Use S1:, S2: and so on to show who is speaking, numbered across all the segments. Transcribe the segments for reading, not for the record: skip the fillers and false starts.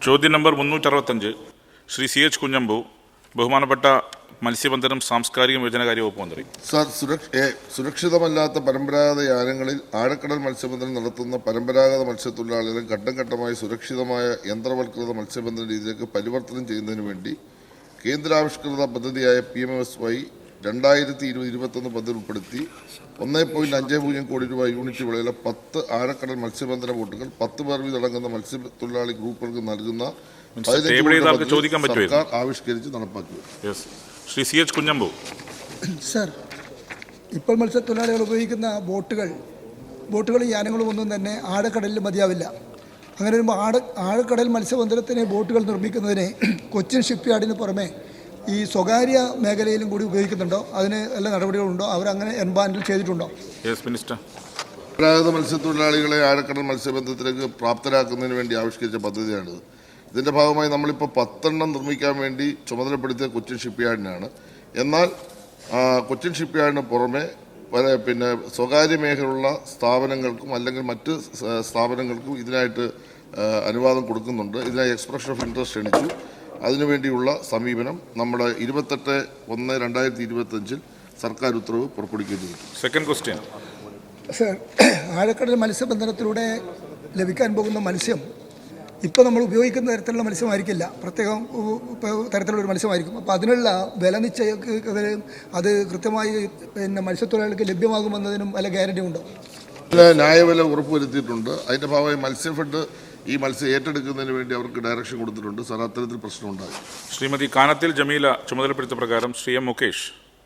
S1: ചോദ്യം number 365 Shri CH Kunhambu, ബഹുമാനപ്പെട്ട മത്സ്യബന്ധനം സാംസ്കാരിക വിഭജനകാര്യ വകുപ്പ് മന്ത്രി.
S2: സർ, സുരക്ഷിതമല്ലാത്ത പരമ്പരാഗത യാനങ്ങളിൽ ആഴക്കടൽ മത്സ്യബന്ധനം നടത്തുന്ന പരമ്പരാഗത മത്സ്യത്തൊഴിലാളികളെ ഘട്ടം ഘട്ടമായി സുരക്ഷിതമായ യന്ത്രവൽകൃത മത്സ്യബന്ധന രീതിയിലേക്ക് പരിവർത്തനം ചെയ്യുന്നതിന് വേണ്ടി കേന്ദ്രാവിഷ്കൃത പദ്ധതിയായ PMSY 2020-21 പദ്ധതി ഉൾപ്പെടുത്തി 1.50 കോടി രൂപ യൂണിറ്റ് വിലയിലെ 10 ആഴക്കടൽ മത്സ്യബന്ധന ബോട്ടുകൾ 10 പേർ വീതടങ്ങുന്ന മത്സ്യത്തൊഴിലാളി ഗ്രൂപ്പുകൾക്ക് നൽകുന്ന സർക്കാർ ആവിഷ്കരിച്ച് നടപ്പാക്കി.
S1: ശ്രീ CH കുഞ്ഞമ്പു.
S3: സർ, ഇപ്പോൾ മത്സ്യത്തൊഴിലാളികൾ ഉപയോഗിക്കുന്ന ബോട്ടുകളും യാനങ്ങളും ഒന്നും തന്നെ ആഴക്കടലിൽ മതിയാവില്ല. അങ്ങനെ വരുമ്പോൾ ആഴക്കടൽ മത്സ്യബന്ധനത്തിന് ബോട്ടുകൾ നിർമ്മിക്കുന്നതിന് കൊച്ചിൻ ഷിപ്പ്യാർഡിന് പുറമെ ഈ സ്വകാര്യ മേഖലയിലും കൂടി ഉപയോഗിക്കുന്നുണ്ടോ? അതിന് എല്ലാ നടപടികളുണ്ടോ? അവരങ്ങനെ എൻബാൻഡിൽ ചെയ്തിട്ടുണ്ടോ?
S2: പരമ്പരാഗത മത്സ്യത്തൊഴിലാളികളെ ആഴക്കടൽ മത്സ്യബന്ധനത്തിലേക്ക് പ്രാപ്തരാക്കുന്നതിന് വേണ്ടി ആവിഷ്കരിച്ച പദ്ധതിയാണിത്. ഇതിൻ്റെ ഭാഗമായി നമ്മളിപ്പോൾ 10 നിർമ്മിക്കാൻ വേണ്ടി ചുമതലപ്പെടുത്തിയ കൊച്ചിൻ ഷിപ്പ്യാർഡിനാണ്. എന്നാൽ കൊച്ചിൻ ഷിപ്പ്യാർഡിന് പുറമെ സ്വകാര്യ മേഖലയുള്ള സ്ഥാപനങ്ങൾക്കും അല്ലെങ്കിൽ മറ്റ് സ്ഥാപനങ്ങൾക്കും ഇതിനായിട്ട് അനുവാദം കൊടുക്കുന്നുണ്ട്. ഇതിനായി എക്സ്പ്രഷൻ ഓഫ് ഇൻട്രസ്റ്റ് ക്ഷണിച്ചു. അതിനുവേണ്ടിയുള്ള സമീപനം നമ്മുടെ 28/1/2025 സർക്കാർ ഉത്തരവ് പുറപ്പെടുവിക്കുകയും ചെയ്തു.
S1: Second question.
S3: സർ, ആഴക്കടൽ മത്സ്യബന്ധനത്തിലൂടെ ലഭിക്കാൻ പോകുന്ന മത്സ്യം ഇപ്പോൾ നമ്മൾ ഉപയോഗിക്കുന്ന തരത്തിലുള്ള മത്സ്യമായിരിക്കില്ല, പ്രത്യേകം തരത്തിലുള്ളൊരു മത്സ്യമായിരിക്കും. അപ്പോൾ അതിനുള്ള വില നിശ്ചയം അത് കൃത്യമായി മത്സ്യത്തൊഴിലാളികൾക്ക് ലഭ്യമാകുമെന്നതിനും വല്ല ഗ്യാരണ്ടി ഉണ്ടോ?
S2: ന്യായവില ഉറപ്പുവരുത്തിയിട്ടുണ്ട്. അതിൻ്റെ ഭാഗമായി മത്സ്യഫെഡ് ഈ മത്സ്യം ഏറ്റെടുക്കുന്നതിന് വേണ്ടി അവർക്ക് ഡയറക്ഷൻ കൊടുത്തിട്ടുണ്ട്. സാർ, അത്തരത്തിൽ പ്രശ്നമുണ്ടായി.
S1: ശ്രീമതി കാനത്തിൽ ജമീല ചുമതലപ്പെടുത്തിയ പ്രകാരം ശ്രീ M മുകേഷ്.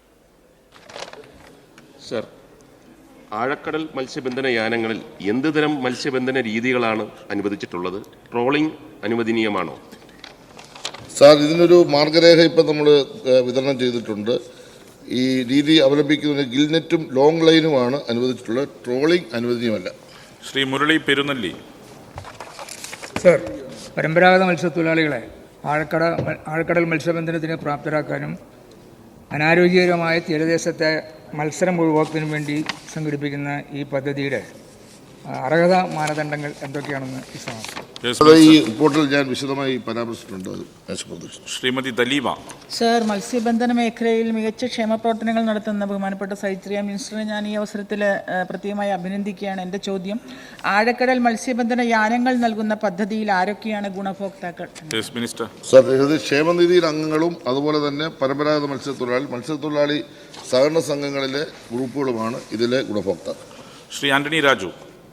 S4: സർ, ആഴക്കടൽ മത്സ്യബന്ധന യാനങ്ങളിൽ എന്തുതരം മത്സ്യബന്ധന രീതികളാണ് അനുവദിച്ചിട്ടുള്ളത്? ട്രോളിംഗ് അനുവദനീയമാണോ?
S2: സാർ, ഇതിനൊരു മാർഗരേഖ ഇപ്പം നമ്മൾ വിതരണം ചെയ്തിട്ടുണ്ട്. ഈ രീതി അവലംബിക്കുന്നതിന് ഗിൽനെറ്റും ലോങ് ലൈനുമാണ് അനുവദിച്ചിട്ടുള്ളത്. ട്രോളിംഗ് അനുവദനീയമല്ല.
S1: ശ്രീ മുരളി പെരുന്നല്ലി.
S5: സർ, പരമ്പരാഗത മത്സ്യത്തൊഴിലാളികളെ ആഴക്കടൽ മത്സ്യബന്ധനത്തിന് പ്രാപ്തരാക്കാനും അനാരോഗ്യകരമായ തീരദേശത്തെ മത്സരം ഒഴിവാക്കുന്നതിനും വേണ്ടി സംഘടിപ്പിക്കുന്ന ഈ പദ്ധതിയുടെ അർഹതാ മാനദണ്ഡങ്ങൾ എന്തൊക്കെയാണെന്ന്
S2: ഈ റിപ്പോർട്ടിൽ ഞാൻ വിശദമായി പരാമർശിച്ചിട്ടുണ്ട്.
S1: ശ്രീമതി ദലീമ.
S6: സർ, മത്സ്യബന്ധന മേഖലയിൽ മികച്ച ക്ഷേമ പ്രവർത്തനങ്ങൾ നടത്തുന്ന ബഹുമാനപ്പെട്ട സൈത്രിയ മിനിസ്റ്ററെ ഞാൻ ഈ അവസരത്തിൽ പ്രത്യേകമായി അഭിനന്ദിക്കുകയാണ്. എൻ്റെ ചോദ്യം, ആഴക്കടൽ മത്സ്യബന്ധന യാനങ്ങൾ നൽകുന്ന പദ്ധതിയിൽ ആരൊക്കെയാണ് ഗുണഭോക്താക്കൾ?
S2: സർ, ഇത് ക്ഷേമനിധിയിൽ അംഗങ്ങളും അതുപോലെ തന്നെ പരമ്പരാഗത മത്സ്യത്തൊഴിലാളി സഹകരണ സംഘങ്ങളിലെ ഗ്രൂപ്പുകളുമാണ് ഇതിലെ ഗുണഭോക്താക്കൾ.
S1: ശ്രീ ആന്റണി രാജു.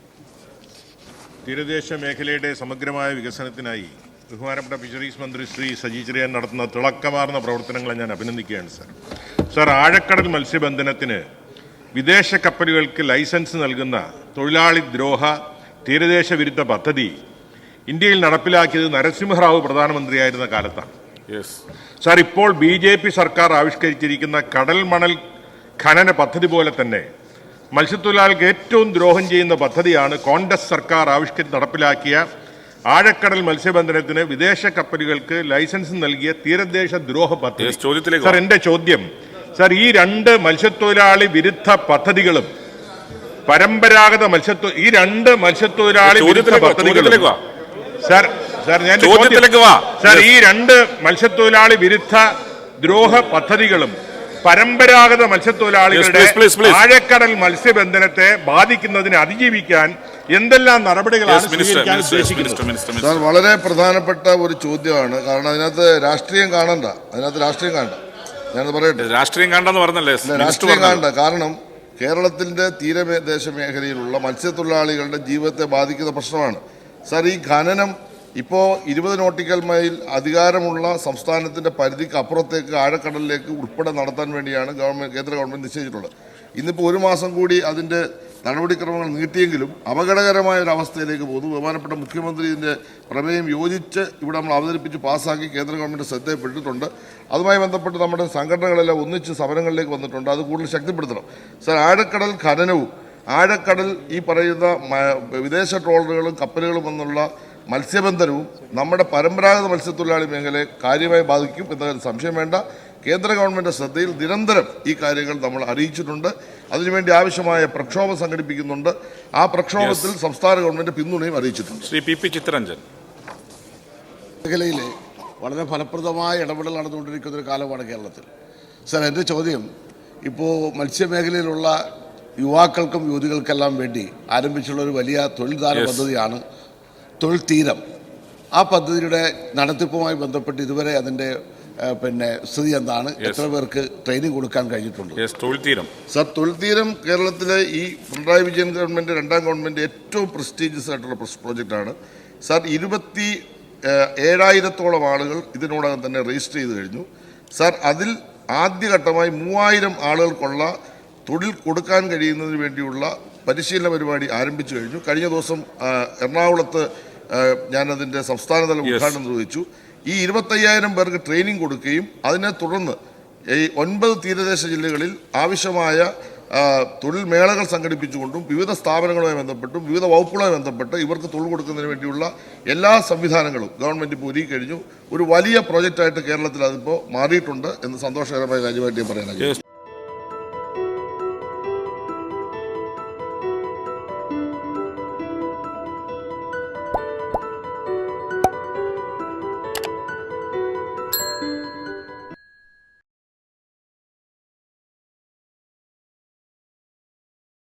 S7: തീരദേശ മേഖലയുടെ സമഗ്രമായ വികസനത്തിനായി ബഹുമാനപ്പെട്ട ഫിഷറീസ് മന്ത്രി ശ്രീ സജി ചെറിയാൻ നടത്തുന്ന തിളക്കമാർന്ന പ്രവർത്തനങ്ങളെ ഞാൻ അഭിനന്ദിക്കുകയാണ്. സർ, ആഴക്കടൽ മത്സ്യബന്ധനത്തിന് വിദേശ കപ്പലുകൾക്ക് ലൈസൻസ് നൽകുന്ന തൊഴിലാളി ദ്രോഹ തീരദേശ വിരുദ്ധ പദ്ധതി ഇന്ത്യയിൽ നടപ്പിലാക്കിയത് നരസിംഹറാവു പ്രധാനമന്ത്രിയായിരുന്ന കാലത്താണ്. സർ, ഇപ്പോൾ BJP സർക്കാർ ആവിഷ്കരിച്ചിരിക്കുന്ന കടൽ മണൽ ഖനന പദ്ധതി പോലെ തന്നെ മത്സ്യത്തൊഴിലാളികൾക്ക് ഏറ്റവും ദ്രോഹം ചെയ്യുന്ന പദ്ധതിയാണ് കോൺഗ്രസ് സർക്കാർ ആവിഷ്കരിച്ച് നടപ്പിലാക്കിയ ആഴക്കടൽ മത്സ്യബന്ധനത്തിന് വിദേശ കപ്പലുകൾക്ക് ലൈസൻസ് നൽകിയ തീരദേശ ദ്രോഹ പദ്ധതി. സർ, എന്റെ ചോദ്യം, സർ, ഈ 2 മത്സ്യത്തൊഴിലാളി വിരുദ്ധ പദ്ധതികളും പരമ്പരാഗത ഈ 2 മത്സ്യത്തൊഴിലാളി വിരുദ്ധ പദ്ധതികളും സർ ഞാൻ സർ, ഈ 2 മത്സ്യത്തൊഴിലാളി വിരുദ്ധ ദ്രോഹ പദ്ധതികളും പരമ്പരാഗത മത്സ്യത്തൊഴിലാളികളുടെ ആഴക്കടൽ മത്സ്യബന്ധനത്തെ ബാധിക്കുന്നതിനെ അതിജീവിക്കാൻ എന്തെല്ലാം നടപടികളാണ് സ്വീകരിക്കാൻ ഉദ്ദേശിക്കുന്നത്?
S2: സാർ, വളരെ പ്രധാനപ്പെട്ട ഒരു ചോദ്യമാണ്. കാരണം അതിനകത്ത് രാഷ്ട്രീയം കാണണ്ട. ഞാനത് പറയട്ടെ.
S1: രാഷ്ട്രീയം കാണണ്ടെന്ന് പറഞ്ഞല്ലേ?
S2: രാഷ്ട്രീയം കാണണ്ട. കാരണം കേരളത്തിന്റെ തീരദേശ മേഖലയിലുള്ള മത്സ്യത്തൊഴിലാളികളുടെ ജീവിതത്തെ ബാധിക്കുന്ന പ്രശ്നമാണ്. സാർ, ഈ ഖനനം ഇപ്പോൾ 20 നോട്ടിക്കൽ മൈൽ അധികാരമുള്ള സംസ്ഥാനത്തിൻ്റെ പരിധിക്ക് അപ്പുറത്തേക്ക് ആഴക്കടലിലേക്ക് ഉൾപ്പെടെ നടത്താൻ വേണ്ടിയാണ് കേന്ദ്ര ഗവൺമെൻറ് നിശ്ചയിച്ചിട്ടുള്ളത്. ഇന്നിപ്പോൾ 1 മാസം കൂടി അതിൻ്റെ നടപടിക്രമങ്ങൾ നീട്ടിയെങ്കിലും അപകടകരമായ ഒരു അവസ്ഥയിലേക്ക് പോകുന്നു. ബഹുമാനപ്പെട്ട മുഖ്യമന്ത്രി ഇതിൻ്റെ പ്രമേയം യോജിച്ച് ഇവിടെ നമ്മൾ അവതരിപ്പിച്ച് പാസ്സാക്കി കേന്ദ്ര ഗവൺമെൻറ് ശ്രദ്ധയിൽപ്പെട്ടിട്ടുണ്ട്. അതുമായി ബന്ധപ്പെട്ട് നമ്മുടെ സംഘടനകളെല്ലാം ഒന്നിച്ച് സമരങ്ങളിലേക്ക് വന്നിട്ടുണ്ട്. അത് കൂടുതൽ ശക്തിപ്പെടുത്തണം. സർ, ആഴക്കടൽ ഖനനവും ആഴക്കടൽ ഈ പറയുന്ന വിദേശ ട്രോളറുകളും കപ്പലുകളും എന്നുള്ള മത്സ്യബന്ധനവും നമ്മുടെ പരമ്പരാഗത മത്സ്യത്തൊഴിലാളി മേഖലയെ കാര്യമായി ബാധിക്കും എന്നതിൽ സംശയം വേണ്ട. കേന്ദ്ര ഗവൺമെൻറ് ശ്രദ്ധയിൽ നിരന്തരം ഈ കാര്യങ്ങൾ നമ്മൾ അറിയിച്ചിട്ടുണ്ട്. അതിനുവേണ്ടി ആവശ്യമായ പ്രക്ഷോഭം സംഘടിപ്പിക്കുന്നുണ്ട്. ആ പ്രക്ഷോഭത്തിൽ സംസ്ഥാന ഗവൺമെൻറ് പിന്തുണയും അറിയിച്ചിട്ടുണ്ട്.
S1: ശ്രീ PP ചിത്തരഞ്ജൻ.
S2: മേഖലയിൽ വളരെ ഫലപ്രദമായ ഇടപെടൽ നടന്നുകൊണ്ടിരിക്കുന്ന ഒരു കാലമാണ് കേരളത്തിൽ. സർ, എൻ്റെ ചോദ്യം ഇപ്പോൾ മത്സ്യമേഖലയിലുള്ള യുവാക്കൾക്കും യുവതികൾക്കെല്ലാം വേണ്ടി ആരംഭിച്ചുള്ള ഒരു വലിയ തൊഴിൽദാന പദ്ധതിയാണ് തൊഴിൽ തീരം. ആ പദ്ധതിയുടെ നടത്തിപ്പുമായി ബന്ധപ്പെട്ട് ഇതുവരെ അതിൻ്റെ സ്ഥിതി എന്താണ്? എത്ര പേർക്ക് ട്രെയിനിങ് കൊടുക്കാൻ കഴിഞ്ഞിട്ടുണ്ട്? സർ, തൊഴിൽ തീരം കേരളത്തിലെ ഈ പിണറായി വിജയൻ ഗവൺമെൻറ്, രണ്ടാം ഗവൺമെൻറ് ഏറ്റവും പ്രസ്റ്റീജിയസ് ആയിട്ടുള്ള പ്രോജക്റ്റാണ്. സർ, 27,000-ഓളം ആളുകൾ ഇതിനോടകം തന്നെ രജിസ്റ്റർ ചെയ്ത് കഴിഞ്ഞു. സർ, അതിൽ ആദ്യഘട്ടമായി 3,000 ആളുകൾക്കുള്ള തൊഴിൽ കൊടുക്കാൻ കഴിയുന്നതിന് വേണ്ടിയുള്ള പരിശീലന പരിപാടി ആരംഭിച്ചു കഴിഞ്ഞു. കഴിഞ്ഞ ദിവസം എറണാകുളത്ത് ഞാനതിൻ്റെ സംസ്ഥാനതല ഉദ്ഘാടനം നിർവഹിച്ചു. ഈ 25,000 പേർക്ക് ട്രെയിനിങ് കൊടുക്കുകയും അതിനെ തുടർന്ന് ഈ 9 തീരദേശ ജില്ലകളിൽ ആവശ്യമായ തൊഴിൽ മേളകൾ സംഘടിപ്പിച്ചുകൊണ്ടും വിവിധ സ്ഥാപനങ്ങളുമായി ബന്ധപ്പെട്ടും വിവിധ വകുപ്പുകളുമായി ബന്ധപ്പെട്ട് ഇവർക്ക് തൊഴിൽ കൊടുക്കുന്നതിന് വേണ്ടിയുള്ള എല്ലാ സംവിധാനങ്ങളും ഗവൺമെൻറ് ഇപ്പോൾ ഒരുക്കി കഴിഞ്ഞു. ഒരു വലിയ പ്രോജക്റ്റായിട്ട് കേരളത്തിൽ അതിപ്പോൾ മാറിയിട്ടുണ്ട് എന്ന് സന്തോഷകരമായ കാര്യമായിട്ട് ഞാൻ പറയാനാണ്.